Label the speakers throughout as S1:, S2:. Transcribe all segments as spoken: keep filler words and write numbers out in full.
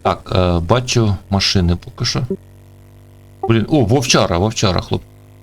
S1: Так, е, бачу машини поки що. Блін, о, вовчара, вовчара, хлоп.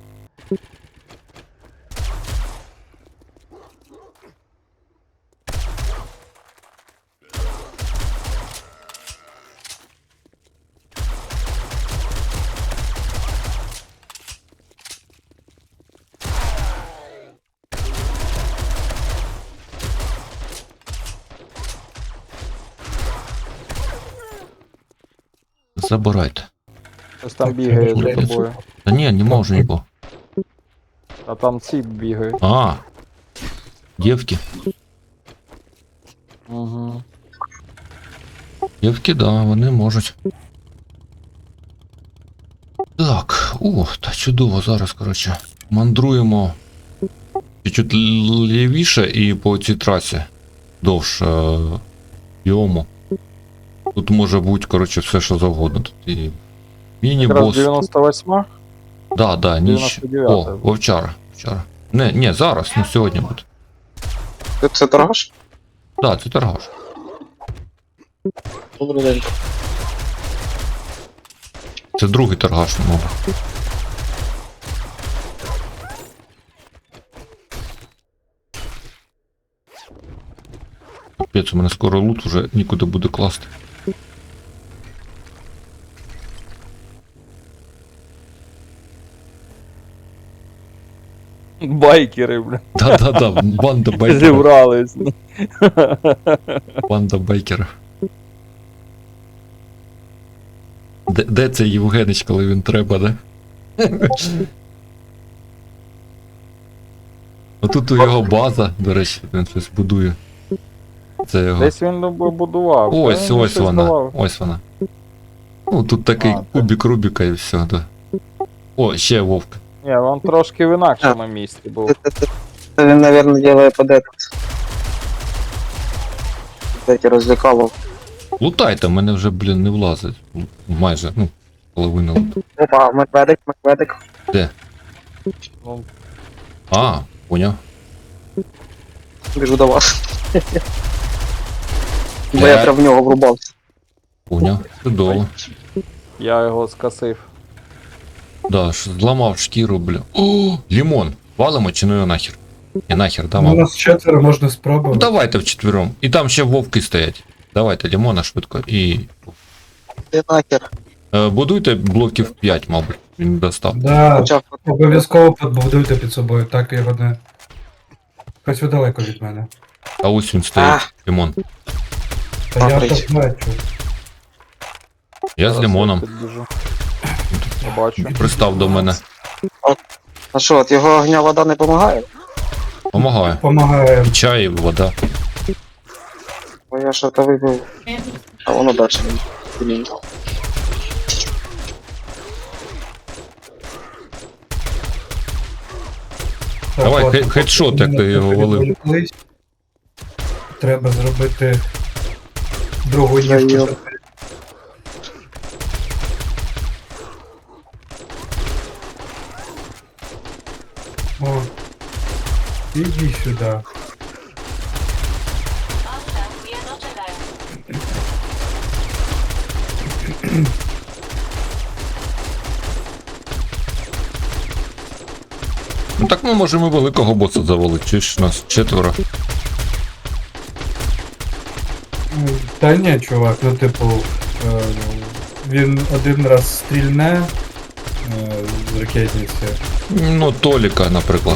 S1: Забирайте.
S2: Ось там
S3: Так,
S2: бігає
S3: треба
S2: за
S3: було.
S2: тобою.
S1: Та ні, не можу нікого.
S2: А там ці бігають.
S1: А, дівки.
S2: Угу.
S1: Дівки, да, вони можуть. Так, о, та чудово, зараз, коротше, мандруємо чуть-чуть лівіше і по цій трасі довше йому. Тут може бути, коротше, все, що завгодно. Тут і
S2: Якраз
S1: міні-бос.
S2: дев'яносто восьма?
S1: Да, да, ніч.
S2: дев'яносто дев'ята.
S1: О, вовчара, вовчара. Не, не, зараз, ну сьогодні буде.
S4: Ти це торгаш?
S1: Да, це торгаш.
S4: Добрий день.
S1: Це другий торгаш, мова. Капець, у мене скоро лут уже нікуди буде класти.
S2: Байкери, бля.
S1: Да-да-да, банда байкерів.
S2: Зібрались.
S1: Банда байкерів. Де, де цей Євгенич, коли він треба, да? Отут у його база, до речі, він щось будує. Це його.
S2: Десь він будував.
S1: Ось,
S2: Та він
S1: ось
S2: щось
S1: вона.
S2: давав.
S1: Ось вона. Ну, тут такий
S2: А, так.
S1: кубик Рубіка і все, да. О, ще вовк.
S2: Ні, він трошки в інакшому місці був.
S4: Це він, мабуть, делает под этот. Эти розвлекало.
S1: Лутайте, в мене вже, блін, не влазить. Майже, ну, половина луту.
S4: Опа, медведик, медведик.
S1: Де?
S2: Ну,
S1: А, поняв.
S4: Біжу до вас. Бо я
S1: Е.
S4: прям в нього врубався.
S1: Поняв. Чудово.
S2: я його скосив.
S1: Да, ж зламав шкіру, бля. О, лімон. Валимо чи ну його нахер? І нахер, да,
S3: Ну, у
S1: мам?
S3: нас четверо, можна
S1: Ну,
S3: спробувати.
S1: давайте вчетвером. І там ще вовки стоять. Давайте лімона швидко і.
S4: Ти нахер.
S1: Е, будуйте блоків п'ять, мабуть. Він достав.
S3: Да,
S4: Почав.
S3: обов'язково побудуйте під собою, так його не. Хоч ви далеко від мене.
S1: А ось він стоїть, лімон.
S3: Та я
S4: Паприч.
S3: так бачу.
S1: Я з
S2: Зараз
S1: лімоном.
S2: підбіжу. Я бачу.
S1: Пристав до мене.
S4: А що, от його огня вода не допомагає?
S1: Помагаю.
S3: Помагає.
S1: Чай, вода.
S4: Бо я що то вибив. А воно далі. Блін.
S3: Так,
S1: Давай,
S3: ладно,
S1: хе- хедшот, як ти
S3: поки
S1: його
S3: ми
S1: валив.
S3: відволіклись, треба зробити другу
S4: Я
S3: ніжку.
S4: її-
S3: О, іди сюди.
S5: Stacje doczekają.
S1: Ну так ми можемо великого боса завалити, чи ж нас четверо.
S3: Ну, Та ні, чувак, ну типу, е, він один раз стрільне е, з ракетниці.
S1: Ну, Толіка, наприклад.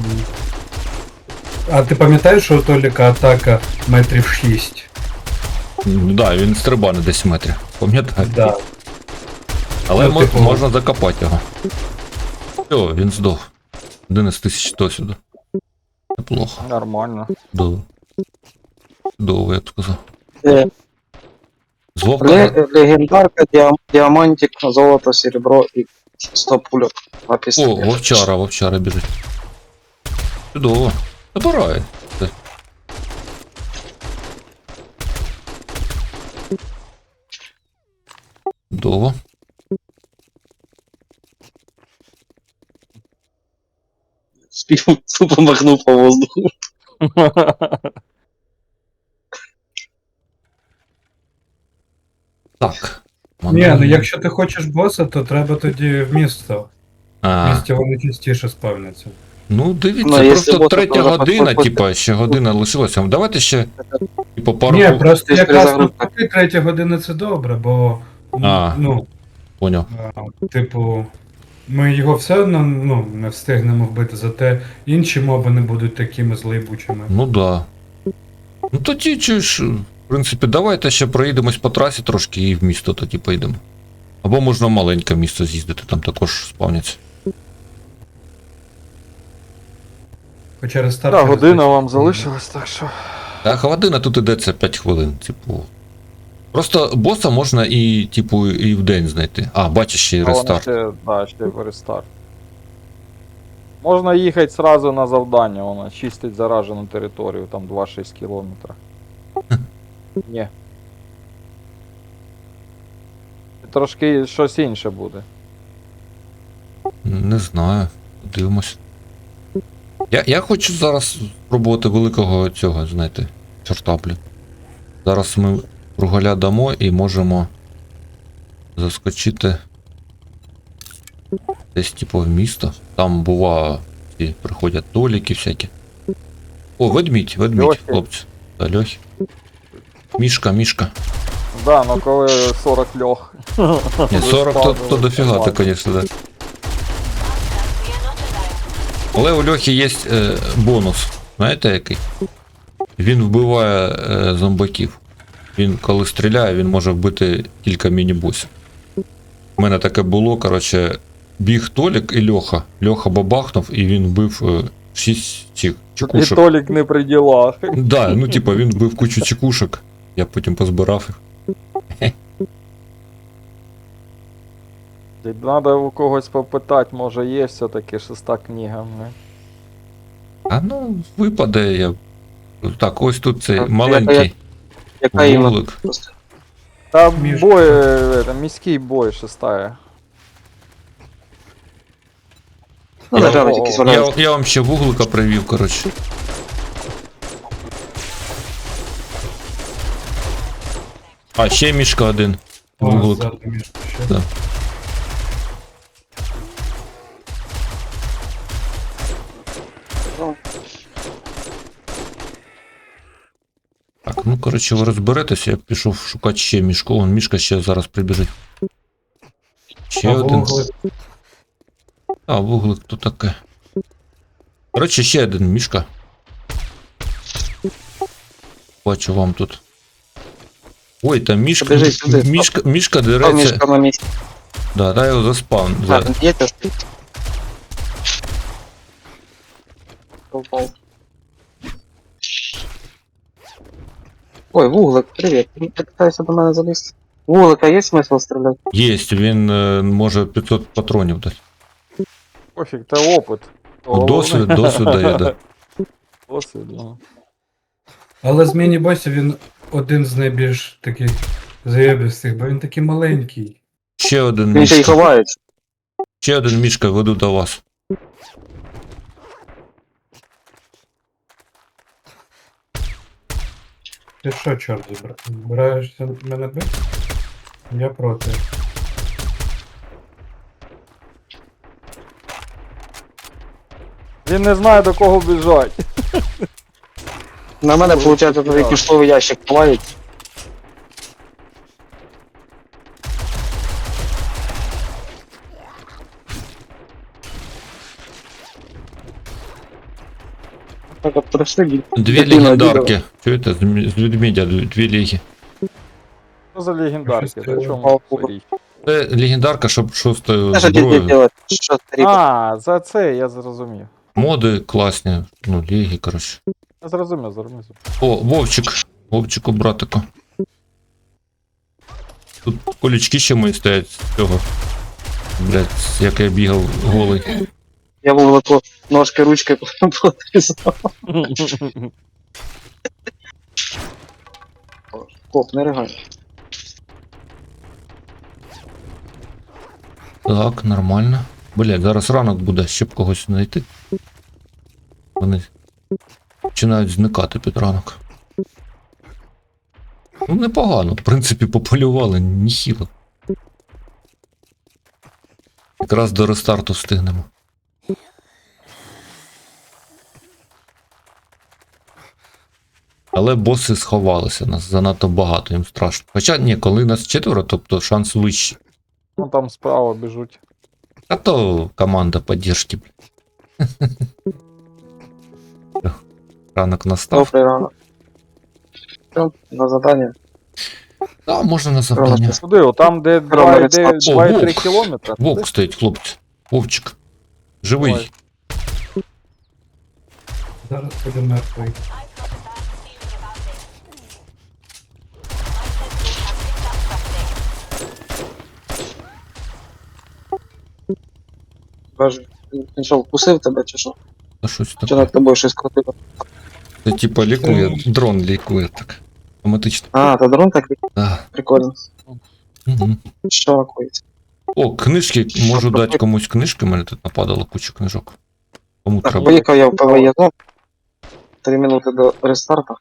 S3: А ти пам'ятаєш, що у Толіка атака метрів шість?
S1: Ну да, він стрибане десь метрів. Пам'ятаю.
S3: Да.
S1: Але
S3: Ну,
S1: мо-
S3: типу-
S1: можна закопати його. Все, він здох. одинадцять тисяч досвіду. Неплохо.
S2: Нормально.
S1: Чудово. Чудово, я б сказав.
S4: Е,
S1: З вовка.
S4: ле- Легендарка, діам- діамантик, золото, серебро і сто пульок на
S1: О,
S4: пістолет.
S1: вовчара, вовчара біжить. Чудово. Забирай. Це. Чудово.
S4: Спів, тупо махнув по воздуху.
S1: Так.
S3: Ні,
S1: Мандруємо.
S3: ну якщо ти хочеш боса, то треба тоді в місто. В
S1: А,
S3: місті вони частіше спавняться.
S1: ну дивіться,
S4: Ну, якщо
S1: просто
S4: боса,
S1: третя
S4: то вже
S1: година,
S4: по-
S1: типа, ще година лишилася. Давайте ще, типу, пару...
S3: Ні,
S1: хвилин-
S3: просто
S4: Ти ж
S3: якраз
S4: перезагрузка.
S3: навпаки третя година це добре, бо
S1: А.
S3: ну,
S1: Поняв.
S3: а, типу, ми його все одно ну, не встигнемо вбити, зате інші моби не будуть такими злейбучими.
S1: Ну да. Ну тоді чи ж, в принципі, давайте ще проїдемось по трасі трошки і в місто тоді поїдемо. Або можна в маленьке місто з'їздити, там також спавняться.
S3: Хоча рестарт.
S2: Так,
S3: через
S2: година
S3: десять
S2: вам
S3: хвилин.
S2: залишилась, так що.
S1: Так, година тут ідеться п'ять хвилин, типу. Просто боса можна і, типу, і в день знайти. А, бачиш ще й
S2: А вони
S1: рестарт.
S2: ще, да, ще в рестарт. Можна їхати сразу на завдання, воно чистить заражену територію, там два-шість кілометрів. Ні. Трошки щось інше буде.
S1: Не знаю. Дивимось. Я, я хочу зараз спробувати великого цього, знаєте, чорта, блін. Зараз ми кругаля дамо і можемо заскочити десь, типу, в місто. Там бува, ці приходять толіки всякі. О, ведмідь, ведмідь,
S2: Льохи.
S1: хлопці. Та льохи. Мішка, мішка.
S2: Да, ну коли сорок льох.
S1: Ні, сорок то, то дофіга, ти, конечно, да.
S5: Станція дочекаю.
S1: Але у Льохи є е, бонус. Знаєте який? Він вбиває е, зомбаків. Він коли стріляє, він може вбити кілька міні-босів. У мене таке було, коротше, біг Толік і Льоха. Льоха бабахнув і він вбив е, шість цих
S2: І
S1: чекушок.
S2: Толік не при ділах.
S1: Да, ну типа він вбив кучу чекушок. Я потім позбирав їх.
S2: Надо у когось попитати, може є все-таки шеста книга. Не?
S1: А ну, випаде я. Так, ось тут цей
S4: Так,
S1: маленький
S4: Яка іменно?
S1: вулик.
S4: Просто.
S2: Та
S3: Між-
S2: бой, е, это, міський бой шестая.
S4: Ну,
S1: Я-
S4: лежали якісь
S1: Я,
S4: валяються.
S1: я вам ще вуглика привів, коротше. А, ще мішка один.
S3: О,
S1: Вуглик.
S3: ззаду мішка ще.
S1: Да.
S4: Ну,
S1: Так, ну коротше, ви розберетеся, я пішов шукати ще мішку. Вон мішка ще зараз прибіжить. Ще
S3: А
S1: один.
S3: вуглик?
S1: А, вуглик то таке. Коротше, ще один мішка. Бачу вам тут. Ой, там мішка.
S4: Побіжи сюди, стоп.
S1: Мішка, мішка
S4: а
S1: дереться.
S4: мішка на місці.
S1: Да, дай його заспавн.
S4: А,
S1: За...
S4: тут є теж? Упав. Ой, вуглик, привіт. Ти питаєшся до мене залізти? Вуглика є смисл стріляти?
S1: Єсть, він е, може п'ятсот патронів дати.
S2: Пофіг, це опит.
S1: Ну, досвід, досвід дає, да.
S2: Досвід, ну.
S3: Але з міні-босів він один з найбільш таких заєбістих, бо він такий маленький.
S1: Ще один
S4: Він ще й
S1: мішка.
S4: ховається.
S1: Ще один мішка веду до вас.
S3: Ти що, чорт, збира- збираєшся мене бити? Я проти.
S2: Він не знає до кого біжать.
S4: На мене, виходить, тут кишковий ящик ховається. Так, от прийшли,
S1: Дві
S4: дитина
S1: легендарки. Чуєте? З мі- з ведмедя дві дві ліги.
S2: Що за легендарки?
S3: Щось
S2: Та
S3: це-
S2: чому це річ?
S1: Це легендарка, щоб шостою
S4: Що діти
S1: зброєю.
S4: делать? Що старі?
S2: А, за це я зрозумів.
S1: Моди класні. Ну, ліги, коротше.
S2: Я зрозумів, зрозумів.
S1: О, Вовчик. Вовчику, братику. Тут колючки ще мої стоять з цього. Блять, як я бігав голий.
S4: Я вуглику ножки, ручки потрізав. Коп, не ригай.
S1: Так, нормально. Блять, зараз ранок буде, щоб когось знайти. Вони починають зникати під ранок. Ну, непогано. В принципі, пополювали, ніхіло. Якраз до рестарту встигнемо. Але боси сховалися, нас занадто багато, їм страшно. Хоча ні, коли нас четверо, тобто шанс вищий.
S2: Ну там справа біжуть.
S1: А то команда поддержки. Ранок настав.
S4: Добрий ранок. Все, на задання.
S1: А, можна на завдання.
S2: Куди? О, там, де
S4: Роман,
S2: два
S1: О,
S2: цілих три
S1: вовк.
S2: кілометри.
S1: Вовк стоїть, хлопці. Вовчик. Живий.
S2: Ой.
S3: Зараз буде мертвий.
S4: Кажу, він що, вкусив тебе чи що?
S1: Та щось
S4: Чи
S1: таке.
S4: над тобою щось крутило?
S1: Це типа лікує, дрон лікує так. Автоматично.
S4: А, та дрон такий?
S1: Да.
S4: Прикольно.
S1: Угу.
S4: Що лакується?
S1: О, книжки, можу дати комусь книжки, мене тут нападало куча книжок. Кому
S4: Так,
S1: треба?
S4: поїхав я в ПВЄ зону. Три минути до рестарту.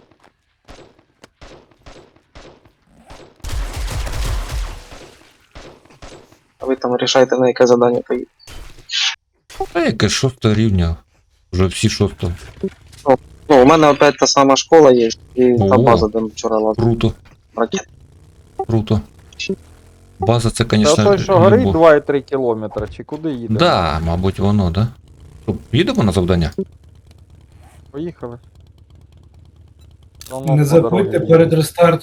S4: А ви там рішайте, на яке завдання поїдете.
S1: А яке шосте рівня? Вже всі шосте.
S4: Ну, у мене опять та сама школа є, і та
S1: О.
S4: база, де ми вчора лазили.
S1: Круто,
S4: Ракет.
S1: круто. База це,
S2: Та
S1: звісно,
S2: той, що горить
S1: любов.
S2: два цілих три кілометри, чи куди їде?
S1: Да, мабуть, воно, да? Що, їдемо на завдання?
S2: Поїхали. Воно
S3: Не
S2: по дорозі
S3: забудьте
S2: їде.
S3: перед рестартом